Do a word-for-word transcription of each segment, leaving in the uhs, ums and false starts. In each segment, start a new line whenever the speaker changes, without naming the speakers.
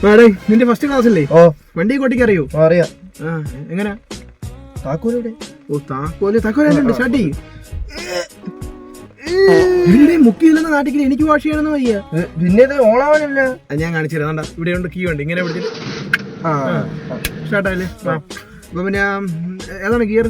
നിന്റെ first class അല്ലേ?
ഓ
വണ്ടി കോട്ടിക്ക് അറിയോ?
അറിയാം.
ആ എങ്ങനാ?
താക്കോലെവിടെ?
ഓ താക്കോല് താക്കോലുണ്ട് ഷാട്ടി. മുക്കിയില്ലെന്ന് നാട്ടിൽ എനിക്ക് വാഷ് ചെയ്യണമെന്ന് വയ്യ.
പിന്നെ ഇത് ഓണാവാനില്ല.
ഞാൻ കാണിച്ചു തരാം. ഇവിടെ ഉണ്ട്, കീ ഉണ്ട്. ഇങ്ങനെ പിടിച്ചിട്ട് സ്റ്റാർട്ടായില്ലേ? അപ്പൊ പിന്നെ ഏതാണ് ഗിയർ?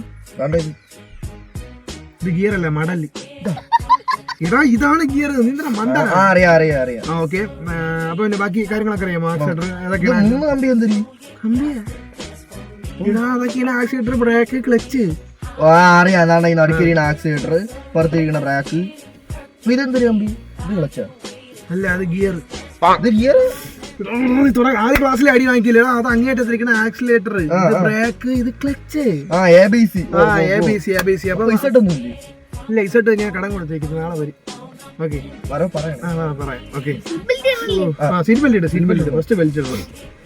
ഇത് ഗിയർ അല്ല, മടല്. ഇതാ ഇതാണ് ഗിയർ. നിന്റെ മണ്ട.
അറിയാം അറിയാം അറിയാം.
ആ ഓക്കെ. അപ്പൊ പിന്നെ ബാക്കി കാര്യങ്ങളൊക്കെ അറിയാമോ? ആക്സിലേറ്റർ ഏതൊക്കെയാണ്?
മൂന്ന് കമ്പി എന്തൊരു
കമ്പിയാ? ഇതാ അതൊക്കെയാണ് ആക്സിലേറ്റർ, ബ്രേക്ക്, ക്ലച്ച്.
അറിയാം. അതാണ് ഈ നടുക്കിരിക്കുന്ന ആക്സിലേറ്റർ, പുറത്തിരിക്കുന്ന ബ്രേക്ക്. ഇതെന്തൊരു കമ്പി? ഇത് ക്ലച്ചാ?
അല്ല, അത് ഗിയർ.
ഇത് ഗിയർ
ആദ്യ ക്ലാസ്സിൽ അടി വാങ്ങിക്കില്ല. അത് അങ്ങേറ്റത്തിരിക്കുന്ന ആക്സിലേറ്റർ, ഇത് ബ്രേക്ക്, ഇത് ക്ലച്ച്.
ആ എ ബി സി.
ആ A B C A B C. അപ്പൊ
ഇസട്ടൊന്നും
ഇല്ല, ഇസട്ട് ഞാൻ കടം കൊടുത്തേക്കുന്നത് നാളെ വരും. ഓക്കെ
പറയാം.
പറയാം. ഓക്കെ. ആ സീറ്റ് ബെൽറ്റ് ഇട്, സീറ്റ് ബെൽറ്റ് ഇട്. ഫസ്റ്റ് ബെൽറ്റ് ഇടും.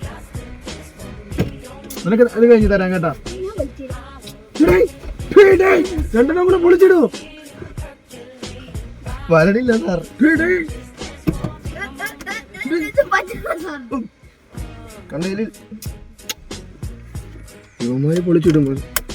നിനക്ക് അത് കഴിഞ്ഞ് തരാം കേട്ടാ. രണ്ടെണ്ണം കൂടെ പൊളിച്ചിടൂ.
വരണില്ല സാർ. കണ്ടതിൽ
ഇവന്മാര് പൊളിച്ചിടുമ്പോ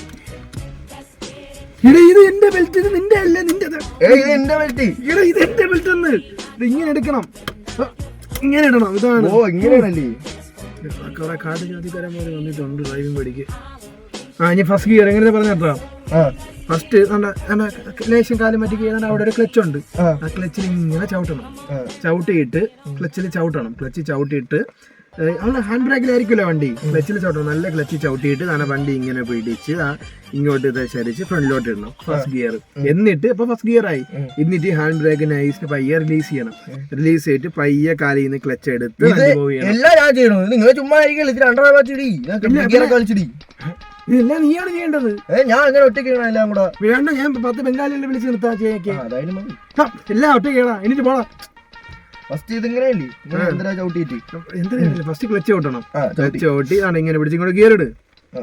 ഇട ഇത് എന്റെ ബെൽറ്റ്, ഇത് നിന്റെ അല്ലേ? നിന്റെ
എന്റെ ബെൽറ്റ്.
ഇട ഇത് എന്റെ ബെൽറ്റ് എന്ന്. ഇത് ഇങ്ങനെ എടുക്കണം, ഇങ്ങനെ ഇടണം. ഇതാണ്.
ഓ ഇങ്ങനെയാണല്ലേ?
കുറെ കാട് ജാതിക്കാരന്മാര് വന്നിട്ടുണ്ട് ഡ്രൈവിംഗ് പഠിക്ക്. ആ ഇനി ഫസ്റ്റ് ഗിയർ എങ്ങനെ പറഞ്ഞാ? ഫസ്റ്റ് ലേശം കാലം മറ്റേ ചെയ്താൽ അവിടെ ഒരു ക്ലച്ച് ഉണ്ട്. ആ ക്ലച്ചിൽ ഇങ്ങനെ ചവിട്ടണം. ചവിട്ടിയിട്ട് ക്ലച്ചിൽ ചവിട്ടണം. ക്ലച്ച് ചവിട്ടിയിട്ട് അവിടെ ഹാൻഡ് ബ്രേക്കിലായിരിക്കുമല്ലോ വണ്ടി. ക്ലച്ചിൽ ചവിട്ടണം. നല്ല ക്ലച്ച് ചവിട്ടിയിട്ട് തന്നെ വണ്ടി ഇങ്ങനെ പിടിച്ച് ഇങ്ങോട്ട് ദശരിച്ച് ഫ്രണ്ടിലോട്ട് ഇടണം ഫസ്റ്റ് ഗിയർ. എന്നിട്ട് ഇപ്പൊ ഫസ്റ്റ് ഗിയർ ആയി. എന്നിട്ട് ഹാൻഡ് ബ്രേക്ക് നൈസ് പയ്യെ റിലീസ് ചെയ്യണം. റിലീസ് ചെയ്തിട്ട് പയ്യെ കാലിൽ നിന്ന് ക്ലച്ച് എടുത്ത്
എല്ലാം ഞാൻ ചെയ്യണം. നിങ്ങൾ ചുമ്മാ കളിച്ചിടി.
ഇതെല്ലാം നീയാണ് ചെയ്യേണ്ടത്.
ഞാൻ അങ്ങനെ ഒറ്റയ്ക്ക് എല്ലാം കൂടെ
വേണ്ട. ഞാൻ പത്ത് ബംഗാളികളെ വിളിച്ച് നിർത്താ ചെയ്യാൻ. എല്ലാം ഒറ്റയ്ക്ക് കേടാ. എന്നിട്ട് പോടാ.
ഫസ്റ്റ് ഇതിങ്ങനെയല്ലേ? എന്തിനാ ചവിട്ടിട്ട്
എന്തിനാ? First clutch ചവിട്ടണം. ക്ലച്ച് ചവിട്ടി ആണ് ഇങ്ങനെ പിടിച്ച് ഇങ്ങോട്ട് ഗിയർ ഇട്.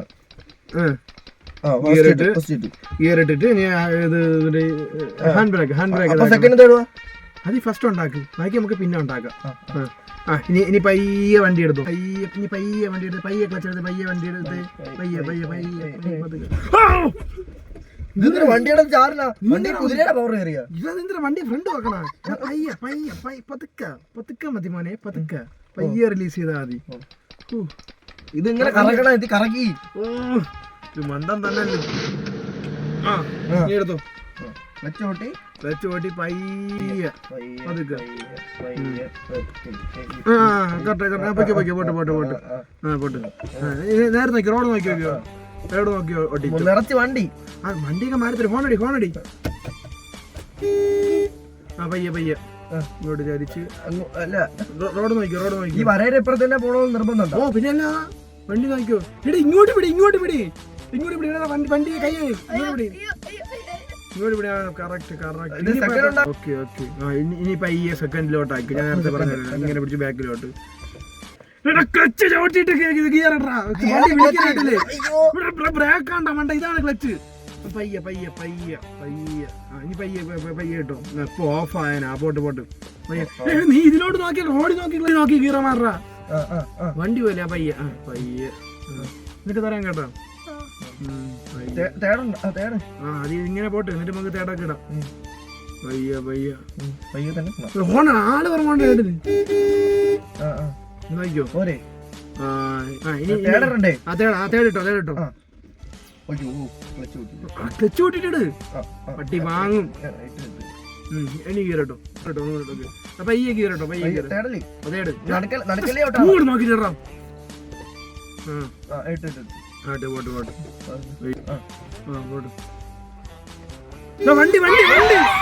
ഗിയർ ഇട്ട് ഗിയർ ഇട്ടിട്ട് ഹാൻഡ് ബ്രേക്ക് ഹാൻഡ് ബ്രേക്ക് അത് ഫസ്റ്റ് ഉണ്ടാക്കി. ബാക്കി നമുക്ക് പിന്നെ ഉണ്ടാക്കാം. ആ ഇനി ഇനി പയ്യെ വണ്ടി എടുത്തു. പയ്യെ ഇനി പയ്യെ വണ്ടി എടുത്ത് പയ്യെ ക്ലച്ച് എടുത്ത് പയ്യെ വണ്ടി എടുത്ത് പയ്യെ പയ്യെ പയ്യെ
വണ്ടിയുടെ ചാറില്ല. വണ്ടി കുതിരയുടെ പവർ കയറിയ
ഇതെന്തിനാ വണ്ടി ഫ്രണ്ട് വെക്കണ? പയ്യെ പയ്യെ പയ്യെ പതുക്ക പതുക്ക മതി മോനെ, പതുക്ക പയ്യെ റിലീസ് ചെയ്താൽ മതി.
ഇതിങ്ങനെ കറക്കണം. ഇത് കറക്കി.
ഓ ഇത് മണ്ടം തന്നെ. ആ നീ എടുത്തോ.
ക്ലച്ച് ഓട്ടി
ക്ലച്ച് ഓട്ടി പയ്യെ പതുക്കെ. പോട്ട് പോട്ട് പോട്ട് ആ പോട്ട്. നേരെ നോക്കി റോഡ് നോക്കി നോക്കിയോ? റോഡ് നോക്കി ഓട്ടിച്ചു
നിറച്ച് വണ്ടി.
ആ വണ്ടിയൊക്കെ മാറി ഫോണടി ഫോണടി. ആ പയ്യെ പയ്യെ ഇങ്ങോട്ട് ചരിച്ച്.
അല്ല
റോഡ് നോക്കി റോഡ് നോക്കി.
ഈ വരയുടെ ഇപ്പുറത്ത് തന്നെ പോകണമെന്ന് നിർബന്ധം.
ഓ പിന്നെ അല്ല വണ്ടി നോക്കിയോ? ഇവിടെ ഇങ്ങോട്ട് പിടി ഇങ്ങോട്ട് പിടി ഇങ്ങോട്ട് പിടി. വണ്ടി വണ്ടി കൈ ഇങ്ങോട്ട് പിടി ഇങ്ങോട്ട് പിടി. Correct correct. Okay okay. ആ ഇനി പയ്യെ സെക്കൻഡിലോട്ടാക്കി. ഞാൻ നേരത്തെ പറഞ്ഞത് ഇങ്ങനെ പിടിച്ച് ബാക്കിലോട്ട്. ക്ലച്ച് ചവിട്ടിട്ട് ഗിയർ ഇടാ. ബ്രേക്ക് ആണ്ട മണ്ട. ഇതാണ് ക്ലച്ച്. പയ്യെ പയ്യെ പയ്യെ പയ്യെ. ആ ഇനി പയ്യെ പയ്യെ കിട്ടോ. ഇപ്പൊ ഓഫ് ആയനാ. പോട്ട് പോട്ട് പയ്യെ. നീ ഇതിലോട്ട് നോക്കി റോഡ് നോക്കി നോക്കി ഗിയർ മാറാ. വണ്ടി പോലെ പയ്യെ. ആ പയ്യെ. എന്നിട്ട് തരാൻ കേട്ടോ. ആ അത് ഇങ്ങനെ പോട്ടെ. എന്നിട്ട് നമുക്ക് തേടൊക്കെ ഇടാം. പയ്യ പയ്യ
പയ്യെ തന്നെ.
ഓണ ആള് പറഞ്ഞോണ്ട് കേട്ടിന് നോക്കിയോ?
പോരെ.
ആ തേട ആ തേടിട്ടോ തേടിട്ടോ. ക്ലച്ച് കൂട്ടിട്ട് പട്ടി വാങ്ങും. ഇനി ഗീറട്ടോ കേട്ടോ. പയ്യെ ഗീറട്ടോ പയ്യെ ഗീർ. തേട് അങ്ങോട്ട് നോക്കിട്ടാ. Pot pot. വണ്ടി വണ്ടി വണ്ടി